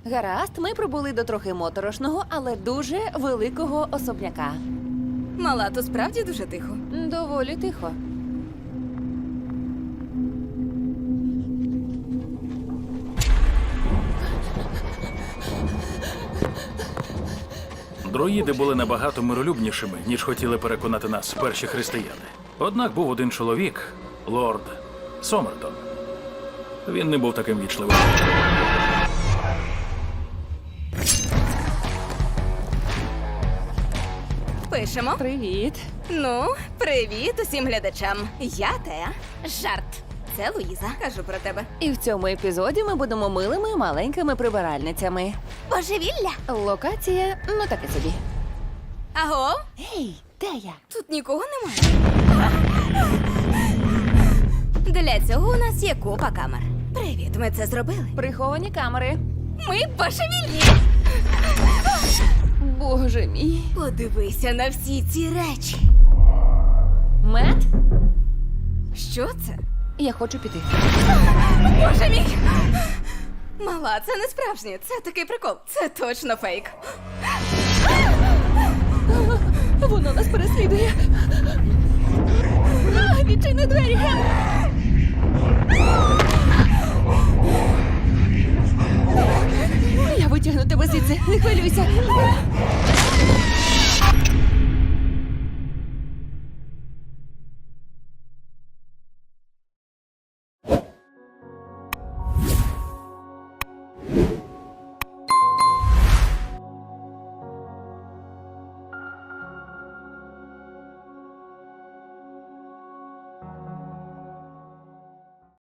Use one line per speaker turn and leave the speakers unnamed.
Гаразд, ми прибули до трохи моторошного, але дуже великого особняка.
Мала, то справді дуже тихо.
Доволі тихо.
Друїди були набагато миролюбнішими, ніж хотіли переконати нас перші християни. Однак був один чоловік, лорд Сомертон. Він не був таким вічливим.
Пишемо.
Привіт.
Ну, привіт усім глядачам. Я Теа. Жарт. Це Луїза. Кажу про тебе.
І в цьому епізоді ми будемо милими маленькими прибиральницями.
Божевілля.
Локація, ну таке собі.
Аго?
Гей, де я?
Тут нікого немає. Для цього у нас є купа камер. Привіт, ми це зробили.
Приховані камери.
Ми божевільні.
Боже мій.
Подивися на всі ці речі.
Мет,
Що це?
я хочу піти.
Боже мій! Мала, це не справжнє. Це такий прикол. Це точно фейк.
Воно нас переслідує. Відчини двері. Я витягну тебе звідси, не хвилюйся.